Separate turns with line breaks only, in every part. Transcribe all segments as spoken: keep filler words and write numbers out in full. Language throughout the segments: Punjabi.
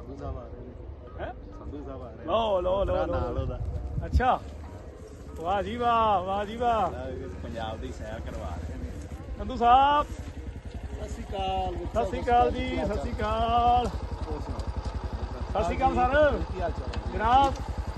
ਸੰਧੂ ਸਾਹਿਬ ਆ ਰਹੇ
ਹੈ
ਸੰਧੂ ਸਾਹਿਬ ਆ ਰਹੇ
ਲੋ ਲੋ ਲੋ
ਨਾਲ ਉਹਦਾ
ਅੱਛਾ ਵਾਹ ਜੀ ਵਾਹ ਵਾਹ ਜੀ ਵਾਹ
ਪੰਜਾਬ ਦੀ ਸੈਰ ਕਰਵਾ ਰਹੇ ਨੇ
ਸੰਧੂ ਸਾਹਿਬ
ਸਤਿ ਸ਼੍ਰੀ ਅਕਾਲ
ਸਤਿ ਸ਼੍ਰੀ ਅਕਾਲ ਜੀ ਸਤਿ ਸ਼੍ਰੀ ਅਕਾਲ ਸਤਿ ਸ਼੍ਰੀ ਅਕਾਲ ਸਰ
ਕੀ ਹਾਲ ਚਾਲ ਹੈ
ਜਨਾਬ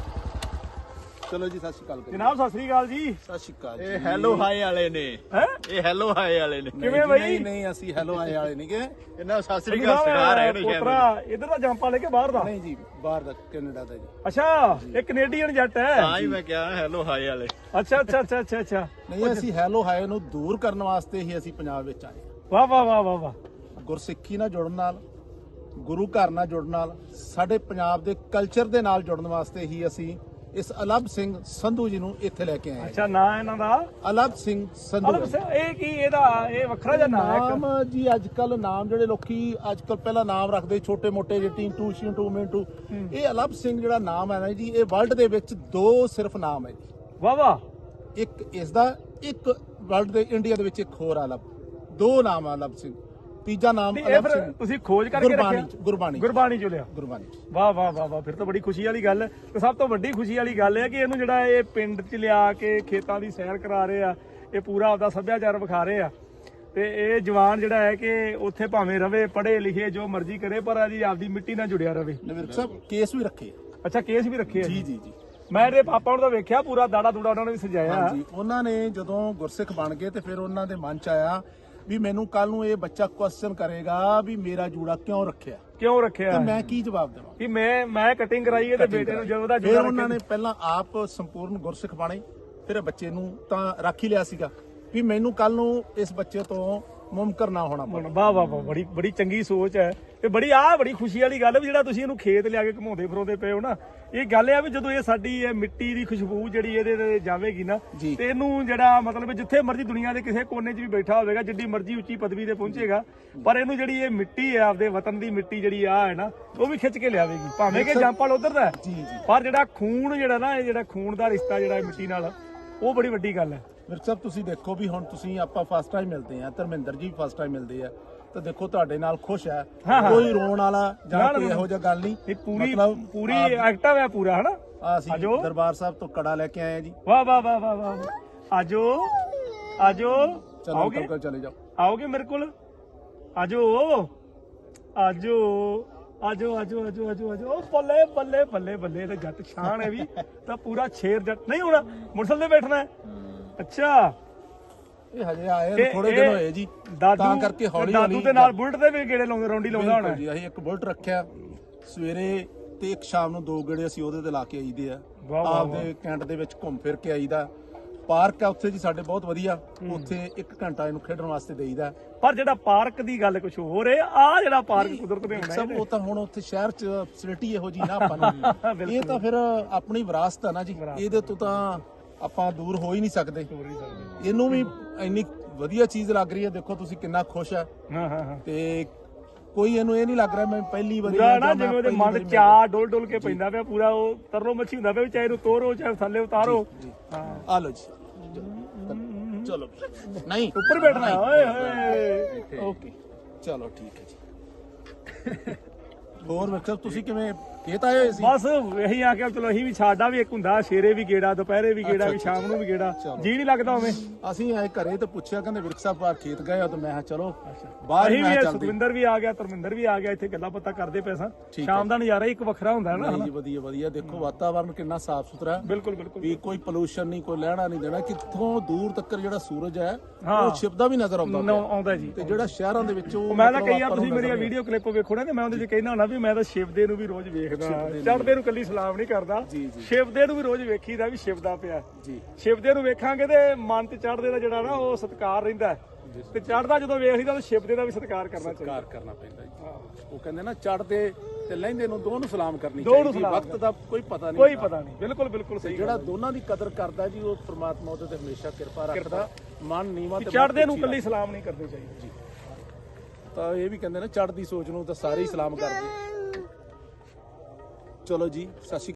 ਚਲੋ ਜੀ ਸਤਿ ਸ਼੍ਰੀ ਅਕਾਲ
ਜਨਾਬ ਸਤਿ ਸ਼੍ਰੀ ਅਕਾਲ ਜੀ
ਸਤਿ ਸ਼੍ਰੀ ਅਕਾਲ
ਇਹ ਹੈਲੋ ਹਾਈ ਵਾਲੇ ਨੇ
ਹੈ
ਇਹ ਹੈਲੋ ਹਾਈ ਵਾਲੇ ਨੇ
ਕਿਵੇਂ ਬਈ
ਨਹੀਂ ਨਹੀਂ ਅਸੀਂ ਹੈਲੋ ਆਏ ਵਾਲੇ ਨਹੀਂ ਕਿ
ਇਹਨਾਂ ਸਤਿ ਸ੍ਰੀ ਅਕਾਲ ਸਿਖਾ ਰਹੇ ਨੇ ਸ਼ਾਇਦ
ਪੁੱਤਰਾ ਇਧਰ ਦਾ ਜੰਪਾ ਲੈ ਕੇ ਬਾਹਰ ਦਾ
ਨਹੀਂ ਜੀ ਬਾਹਰ ਦਾ ਕੈਨੇਡਾ ਦਾ ਜੀ
ਅੱਛਾ ਇਹ ਕੈਨੇਡੀਅਨ ਜੱਟ ਹੈ
ਤਾਂ ਹੀ ਮੈਂ ਕਿਹਾ ਹੈਲੋ ਹਾਈ ਵਾਲੇ
ਅੱਛਾ ਅੱਛਾ ਅੱਛਾ ਅੱਛਾ ਅੱਛਾ
ਨਹੀਂ ਅਸੀਂ ਹੈਲੋ ਹਾਏ ਨੂੰ ਦੂਰ ਕਰਨ ਵਾਸਤੇ ਹੀ ਅਸੀਂ ਪੰਜਾਬ ਵਿੱਚ ਆਏ
ਵਾਹ ਵਾਹ ਵਾਹ ਵਾਹ ਵਾਹ
ਗੁਰਸਿੱਖੀ ਨਾਲ ਜੁੜਨ ਨਾਲ ਗੁਰੂ ਘਰ ਨਾਲ ਜੁੜਨ ਨਾਲ ਸਾਡੇ ਪੰਜਾਬ ਦੇ ਕਲਚਰ ਦੇ ਨਾਲ ਜੁੜਨ ਵਾਸਤੇ ਹੀ ਅਸੀਂ ਇਸ ਅਲੱਭ ਸਿੰਘ ਸੰਧੂ ਜੀ ਨੂੰ ਇੱਥੇ ਲੈ ਕੇ ਆਏ ਹਾਂ।
ਅੱਛਾ ਨਾਂ ਇਹਨਾਂ ਦਾ
ਅਲੱਭ ਸਿੰਘ ਸੰਧੂ
ਅਲਬ ਸਿੰਘ ਇਹ ਕੀ ਇਹਦਾ ਇਹ ਵੱਖਰਾ ਜਿਹਾ ਨਾਂ ਹੈ ਇੱਕ
ਨਾਮ ਜੀ ਅੱਜ ਕੱਲ ਨਾਮ ਜਿਹੜੇ ਲੋਕੀ ਅੱਜ ਕੱਲ ਪਹਿਲਾਂ ਨਾਮ ਰੱਖਦੇ ਛੋਟੇ ਮੋਟੇ ਜਿਹੇ ਟੀਂਟੂ ਸ਼ਿੰਟੂ ਮਿੰਟੂ ਇਹ ਅਲੱਭ ਸਿੰਘ ਜਿਹੜਾ ਨਾਮ ਹੈ ਨਾ ਜੀ ਇਹ ਵਰਲਡ ਦੇ ਵਿੱਚ ਦੋ ਸਿਰਫ ਨਾਮ ਹੈ ਜੀ
ਵਾਹ ਵਾਹ
ਇੱਕ ਇਸ ਦਾ ਇੱਕ ਵਰਲਡ ਦੇ ਇੰਡੀਆ ਦੇ ਵਿੱਚ ਇੱਕ ਹੋਰ ਅਲੱਭ ਦੋ ਨਾਮ ਆ ਅਲੱਭ ਸਿੰਘ ਤੀਜਾ ਨਾਮ
ਇਹ
ਅਲੱਭ
ਫਿਰ
ਸਿੰਘ
ਤੁਸੀਂ ਖੋਜ ਕਰਕੇ
ਗੁਰਬਾਣੀ
ਰੱਖਿਆ
ਚ, ਗੁਰਬਾਣੀ ਚ,
ਗੁਰਬਾਣੀ ਚੋਂ ਲਿਆ
ਗੁਰਬਾਣੀ ਚ।
ਵਾਹ ਵਾਹ ਵਾਹ ਵਾਹ ਫਿਰ ਤਾਂ ਬੜੀ ਖੁਸ਼ੀ ਵਾਲੀ ਗੱਲ ਹੈ ਤੇ ਸਭ ਤੋਂ ਵੱਡੀ ਖੁਸ਼ੀ ਵਾਲੀ ਗੱਲ ਹੈ ਕਿ ਇਹਨੂੰ ਜਿਹੜਾ ਇਹ ਪਿੰਡ 'ਚ ਲਿਆ ਕੇ ਖੇਤਾਂ ਦੀ ਸੈਰ ਕਰਾ ਰਹੇ ਆ ਇਹ ਪੂਰਾ ਆਪਦਾ ਸੱਭਿਆਚਾਰ ਵਿਖਾ ਰਹੇ ਆ ਤੇ ਇਹ ਜਵਾਨ ਜਿਹੜਾ ਹੈ ਕਿ ਉੱਥੇ ਭਾਵੇਂ ਰਵੇ ਪੜ੍ਹੇ ਲਿਖੇ ਜੋ ਮਰਜ਼ੀ ਕਰੇ ਪਰ ਜੀ ਆਪਦੀ ਮਿੱਟੀ ਨਾਲ ਜੁੜਿਆ ਰਵੇ
ਨਵੀਰ ਸਾਹਿਬ ਕੇਸ ਵੀ ਰੱਖੇ
ਅੱਛਾ ਕੇਸ ਵੀ ਰੱਖੇ ਆ
ਜੀ ਜੀ ਜੀ
ਮੈਂ ਇਹਦੇ ਪਾਪਾ ਨੂੰ ਤਾਂ ਵੇਖਿਆ ਪੂਰਾ ਦਾੜਾ ਦੂੜਾ ਉਹਨਾਂ ਨੇ ਵੀ ਸਜਾਇਆ
ਹਾਂਜੀ ਉਹਨਾਂ ਨੇ ਜਦੋਂ ਗੁਰਸਿੱਖ ਬਣ ਗਏ ਤੇ ਫਿਰ ਉਹਨਾਂ ਦੇ ਮਨ ਚ ਆਇਆ ਵੀ ਮੈਨੂੰ ਕੱਲ ਨੂੰ ਇਹ ਬੱਚਾ ਕੁਐਸਚਨ ਕਰੇਗਾ ਵੀ ਮੇਰਾ ਜੂੜਾ ਕਿਉਂ ਰੱਖਿਆ
ਕਿਉਂ ਰੱਖਿਆ
ਤੇ ਮੈਂ ਕੀ ਜਵਾਬ ਦੇਵਾਂ
ਕਿ ਮੈਂ ਮੈਂ ਕਟਿੰਗ ਕਰਾਈ ਹੈ ਤੇ ਬੇਟੇ ਨੂੰ ਜਦੋਂ ਦਾ
ਫਿਰ
ਜੂੜਾ
ਉਹਨਾਂ ਨੇ ਪਹਿਲਾਂ ਆਪ ਸੰਪੂਰਨ ਗੁਰਸਿੱਖ ਬਣੇ ਫਿਰ ਇਹ ਬੱਚੇ ਨੂੰ ਤਾਂ ਰੱਖ ਹੀ ਲਿਆ ਸੀਗਾ ਵੀ ਮੈਨੂੰ ਕੱਲ ਨੂੰ ਇਸ ਬੱਚੇ ਤੋਂ ਮੁਮਕਰ ਨਾ ਹੋਣਾ ਪਵੇ
ਵਾਹ ਵਾਹ ਵਾਹ ਬੜੀ ਬੜੀ ਚੰਗੀ ਸੋਚ ਹੈ ਤੇ ਬੜੀ ਆਹ ਬੜੀ ਖੁਸ਼ੀ ਵਾਲੀ ਗੱਲ ਹੈ ਵੀ ਜਿਹੜਾ ਤੁਸੀਂ ਇਹਨੂੰ ਖੇਤ ਲਿਆ ਕੇ ਘਮਾਉਂਦੇ ਫਿਰੋਂਦੇ ਪਏ ਹੋ ਨਾ ਇਹ ਗੱਲ ਹੈ ਵੀ ਜਦੋਂ ਇਹ ਸਾਡੀ ਇਹ ਮਿੱਟੀ ਦੀ ਖੁਸ਼ਬੂ ਜਿਹੜੀ ਇਹਦੇ ਤੇ ਜਾਵੇਗੀ ਨਾ
ਜੀ।
ਤੇ ਇਹਨੂੰ ਜਿਹੜਾ ਮਤਲਬ ਜਿੱਥੇ ਮਰਜ਼ੀ ਦੁਨੀਆ ਦੇ ਕਿਸੇ ਕੋਨੇ 'ਚ ਵੀ ਬੈਠਾ ਹੋਵੇਗਾ ਜਿੱਡੀ ਮਰਜ਼ੀ ਉੱਚੀ ਪਦਵੀ ਤੇ ਪਹੁੰਚੇਗਾ ਪਰ ਇਹਨੂੰ ਜਿਹੜੀ ਇਹ ਮਿੱਟੀ ਹੈ ਆਪਦੇ ਵਤਨ ਦੀ ਮਿੱਟੀ ਜਿਹੜੀ ਆ ਹੈ ਨਾ ਉਹ ਵੀ ਖਿੱਚ ਕੇ ਲਿਆਵੇਗੀ ਭਾਵੇਂ ਕਿ ਜੰਪਲ ਉਧਰ ਦਾ ਹੈ,
ਜੀ ਜੀ
ਪਰ ਜਿਹੜਾ ਖੂਨ ਜਿਹੜਾ ਨਾ ਇਹ ਜਿਹੜਾ ਖੂਨ ਦਾ ਰਿਸ਼ਤਾ ਜਿਹੜਾ ਇਹ ਮਿੱਟੀ ਨਾਲ ਉਹ ਬੜੀ ਵੱਡੀ ਗੱਲ ਹੈ
ਵੀਰ ਸਾਹਿਬ ਤੁਸੀਂ ਦੇਖੋ ਵੀ ਹੁਣ ਤੁਸੀਂ ਆਪਾਂ ਫਸਟ ਟਾਈਮ ਮਿਲਦੇ ਆ ਧਰਮਿੰਦਰ ਜੀ ਫਸਟ ਟਾਈਮ ਮਿਲਦੇ ਆ ਤਾਂ ਦੇਖੋ ਤੁਹਾਡੇ ਨਾਲ ਖੁਸ਼ ਹੈ
ਹਾਂ, ਹਾਂ।
ਕੋਈ ਰੋਣ ਵਾਲਾ
ਨਾ,
ਜਾਂ
ਨਾ,
ਕੋਈ
ਨਾ।
ਇਹੋ ਜਿਹਾ ਗੱਲ ਨਹੀਂ
ਇਹ ਪੂਰੀ
ਮਤਲਬ
ਪੂਰੀ ਐਕਟਿਵ ਹੈ ਪੂਰਾ ਹਨਾ
ਆ ਅਸੀਂ
ਆਜੋ।
ਦਰਬਾਰ ਸਾਹਿਬ ਤੋਂ ਕੜਾ ਲੈ ਕੇ ਆਏ ਆ ਜੀ
ਵਾਹ ਵਾਹ ਵਾਹ ਵਾਹ ਵਾਹ ਆਜੋ ਆਜੋ
ਚਲੋ
ਆਓਗੇ
ਅੰਕਲ ਚਲੇ ਜਾਓ
ਆਓਗੇ ਮੇਰੇ ਕੋਲ ਆਜੋ ਆਜੋ ਆਜੋ ਆਜੋ ਆਜੋ ਆਜੋ ਆਜੋ ਉਹ ਬੱਲੇ ਬੱਲੇ ਬੱਲੇ ਬੱਲੇ ਇਹਦਾ ਜੱਟ ਸ਼ਾਨ ਹੈ ਵੀ ਤਾਂ ਪੂਰਾ ਸ਼ੇਰ ਜੱਟ ਨਹੀਂ ਹੋਣਾ ਮੁਰਸਲ ਤੇ ਬੈਠਣਾ ਹੈ ਅੱਛਾ
ਇਹ ਹਜੇ ਆਏ
ਇਹ-
ਥੋੜੇ
ਇਹ
ਦਿਨ ਹੋਏ ਜੀ
ਦਾਦੂ
ਤਾਂ ਕਰਕੇ ਹੌਲੀ
ਦਾਦੂ
ਹੌਲੀ
ਦੇ ਨਾਲ ਬੁਲਟ ਤੇ ਵੀ ਗੇੜੇ ਲਾਉਂਦੇ ਰੌਂਡੀ ਲਾਉਂਦਾ ਹੋਣਾ
ਬਿਲਕੁਲ ਜੀ ਅਸੀਂ ਇੱਕ ਬੁਲਟ ਰੱਖਿਆ ਸਵੇਰੇ ਤੇ ਇੱਕ ਸ਼ਾਮ ਨੂੰ ਦੋ ਗੇੜੇ ਅਸੀਂ ਉਹਦੇ ਤੇ ਲਾ ਕੇ ਆਈਦੇ ਆ
ਵਾਹ, ਵਾਹ,
ਆਪਦੇ ਕੈਂਟ ਦੇ ਵਿੱਚ ਘੁੰਮ ਫਿਰ ਕੇ ਆਈਦਾ ਪਾਰਕ ਆ ਉੱਥੇ ਜੀ ਸਾਡੇ ਬਹੁਤ ਵਧੀਆ ਉੱਥੇ ਇੱਕ ਘੰਟਾ ਇਹਨੂੰ ਖੇਡਣ ਵਾਸਤੇ ਦੇਈਦਾ
ਪਰ ਜਿਹੜਾ ਪਾਰਕ ਦੀ ਗੱਲ ਕੁਝ ਹੋਰ ਹੈ ਆ ਜਿਹੜਾ ਪਾਰਕ ਕੁਦਰਤ ਦੇ ਹੋਣਾ
ਸਭ ਉਹ ਤਾਂ ਹੁਣ ਉੱਥੇ ਸ਼ਹਿਰ ਚ ਫੈਸਿਲਿਟੀ ਇਹੋ ਜੀ ਨਾ ਆਪਾਂ ਨੂੰ ਇਹ ਤਾਂ ਫਿਰ ਆਪਣੀ ਵਿਰਾਸਤ ਆ ਨਾ ਜੀ ਇਹਦੇ ਤੋਂ ਤਾਂ ਆਪਾਂ ਦੂਰ ਹੋ ਹੀ ਨਹੀਂ ਸਕਦੇ ਇਹਨੂੰ ਵੀ ਇੰਨੀ ਵਧੀਆ ਚੀਜ਼ ਲੱਗ ਰਹੀ ਹੈ ਦੇਖੋ ਤੁਸੀਂ ਕਿੰਨਾ ਖੁਸ਼ ਹੈ
ਹਾਂ ਹਾਂ ਹਾਂ
ਤੇ ਕੋਈ ਇਹਨੂੰ ਇਹ ਨਹੀਂ ਲੱਗ ਰਿਹਾ ਮੈਂ ਪਹਿਲੀ ਵਾਰੀ
ਪੂਰਾ
ਆਇਆ
ਨਾ
ਜਾਂ ਮੈਂ
ਜਿਵੇਂ ਉਹਦੇ
ਪਹਿਲੀ
ਮਨ
ਵਾਰੀ
ਚਾ ਡੋਲ ਡੋਲ ਕੇ ਪੈਂਦਾ ਪਿਆ ਪੂਰਾ ਉਹ ਤਰਲੋ ਮੱਛੀ ਹੁੰਦਾ ਪਿਆ ਵੀ ਚਾਹੇ ਇਹਨੂੰ ਤੋਰੋ ਚਾਹੇ ਥੱਲੇ ਉਤਾਰੋ ਹਾਂ
ਆ ਲਓ ਜੀ ਚਲੋ ਨਹੀਂ
ਉੱਪਰ ਬੈਠਣਾ ਹੈ, ਓਏ ਹੋਏ ਓਕੇ
ਚਲੋ ਠੀਕ ਹੈ ਜੀ ਹੋਰ ਵੇਖੋ ਤੁਸੀਂ ਕਿਵੇਂ ਖੇਤ ਆਏ ਹੋਏ ਸੀ
ਬਸ ਇਹੀ ਆ ਕੇ ਚਲੋ ਅਸੀਂ ਵੀ ਸਾਡਾ ਵੀ ਇੱਕ ਹੁੰਦਾ ਸ਼ੇਰੇ ਵੀ ਗੇੜਾ ਦੁਪਹਿਰੇ ਵੀ ਗੇੜਾ ਵੀ ਸ਼ਾਮ ਨੂੰ ਵੀ ਗੇੜਾ ਜੀ ਨਹੀਂ ਲੱਗਦਾ ਉਵੇਂ
ਅਸੀਂ ਆਏ ਘਰੇ ਤੇ ਪੁੱਛਿਆ ਕਹਿੰਦੇ ਵਿਰਕ ਸਾਹਿਬ ਬਾਹਰ ਖੇਤ ਗਏ ਆ ਤਾਂ ਮੈਂ ਕਿਹਾ ਚਲੋ ਬਾਹਰ ਹੀ
ਅਸੀਂ
ਮੈਂ
ਵੀ
ਚੱਲਦੇ
ਸੁਖਵਿੰਦਰ ਵੀ ਆ ਗਿਆ ਧਰਮਿੰਦਰ ਵੀ ਆ ਗਿਆ ਇੱਥੇ ਗੱਲਾਂ ਪਤਾ ਕਰਦੇ ਪਏ ਸਾਂ ਸ਼ਾਮ ਦਾ ਨਜ਼ਾਰਾ ਹੀ ਇੱਕ ਵੱਖਰਾ ਹੁੰਦਾ ਹੈ ਨਾ
ਨਹੀਂ ਜੀ ਵਧੀਆ ਵਧੀਆ ਦੇਖੋ ਵਾਤਾਵਰਨ ਕਿੰਨਾ ਸਾਫ਼ ਸੁਥਰਾ ਹੈ
ਬਿਲਕੁਲ ਬਿਲਕੁਲ
ਵੀ ਕੋਈ ਪੋਲੂਸ਼ਨ ਨਹੀਂ ਕੋਈ ਲੈਣਾ ਨਹੀਂ ਦੇਣਾ ਕਿੱਥੋਂ ਦੂਰ ਤੱਕ ਜਿਹੜਾ ਸੂਰਜ ਹੈ ਉਹ ਛਿਪਦਾ ਵੀ ਨਜ਼ਰ ਆਉਂਦਾ
ਨੌ
ਪਿਆ।
ਆਉਂਦਾ ਜੀ
ਤੇ ਜਿਹੜਾ ਸ਼ਹਿਰਾਂ ਦੇ ਵਿੱਚ ਉਹ
ਮੈਂ ਤਾਂ
ਮਤਲਬ
ਕਈ ਵਾਰ
ਆਪਾਂ ਨੂੰ
ਤੁਸੀਂ ਮੇਰੀਆਂ
ਨਜ਼ਰ ਨਹੀਂ
ਵੀਡੀਓ ਕਲਿੱਪ ਵੇਖੋ ਨਾ ਤੇ ਮੈਂ ਉਹਦੇ 'ਚ ਕਹਿਣਾ ਹੁੰਦਾ ਵੀ ਮੈਂ ਤਾਂ ਸ਼ਿਵਦੇ ਨੂੰ ਵੀ ਰੋਜ਼ ਵੇਖਦਾ ਚੜ੍ਹਦੇ ਨੂੰ ਕੱਲੀ ਸਲਾਮ ਨਹੀਂ ਕਰਦਾ
ਜੀ, ਜੀ।
ਸ਼ਿਵਦੇ ਨੂੰ ਵੀ ਰੋਜ਼ ਵੇਖੀਦਾ ਵੀ ਸ਼ਿਵਦਾ ਪਿਆ
ਜੀ
ਸ਼ਿਵਦੇ ਨੂੰ ਵੇਖਾਂਗੇ ਤੇ ਮਨ ਤੇ ਚੜ੍ਹਦੇ ਦਾ ਜਿਹੜਾ ਨਾ ਉਹ ਸਤਿਕਾਰ ਰਹਿੰਦਾ ਹੈ। ਤੇ ਚੜ੍ਹਦਾ ਜਦੋਂ ਵੇਖ ਲਈਦਾ ਤਾਂ ਸ਼ਿਵਦੇ ਦਾ ਵੀ ਸਤਿਕਾਰ ਕਰਨਾ ਚਾਹੀਦਾ
ਕਾਰ ਕਰਨਾ ਪੈਂਦਾ ਜੀ ਉਹ ਕਹਿੰਦੇ ਨਾ ਚੜਦੇ ਤੇ ਲਹਿੰਦੇ ਨੂੰ ਦੋਨੋਂ ਸਲਾਮ ਕਰਨੀ
ਦੋਨੋਂ
ਚਾਹੀਦੀ
ਸਲਾਮ
ਵਕਤ ਦਾ ਕੋਈ ਪਤਾ ਨਹੀਂ
ਕੋਈ ਪਤਾ ਨਹੀਂ ਬਿਲਕੁਲ ਬਿਲਕੁਲ ਸਹੀ
ਜਿਹੜਾ ਦੋਨਾਂ ਦੀ ਕਦਰ ਕਰਦਾ ਜੀ ਉਹ ਪ੍ਰਮਾਤਮਾ ਉਹਦੇ ਤੇ ਹਮੇਸ਼ਾ ਕਿਰਪਾ ਰੱਖਦਾ ਮਨ ਨੀਵਾ ਤੇ
ਚੜ੍ਹਦੇ ਨੂੰ ਕੱਲੀ ਸਲਾਮ ਨਹੀਂ ਕਰਨੀ ਚਾਹੀਦੀ
ਜੀ ਤਾਂ ਇਹ ਵੀ ਕਹਿੰਦੇ ਨਾ ਚੜ੍ਹਦੀ ਸੋਚ ਨੂੰ ਤਾਂ ਸਾਰੇ ਹੀ ਸਲਾਮ ਕਰਦੇ ਚਲੋ ਜੀ ਸਤਿ ਸ਼੍ਰੀ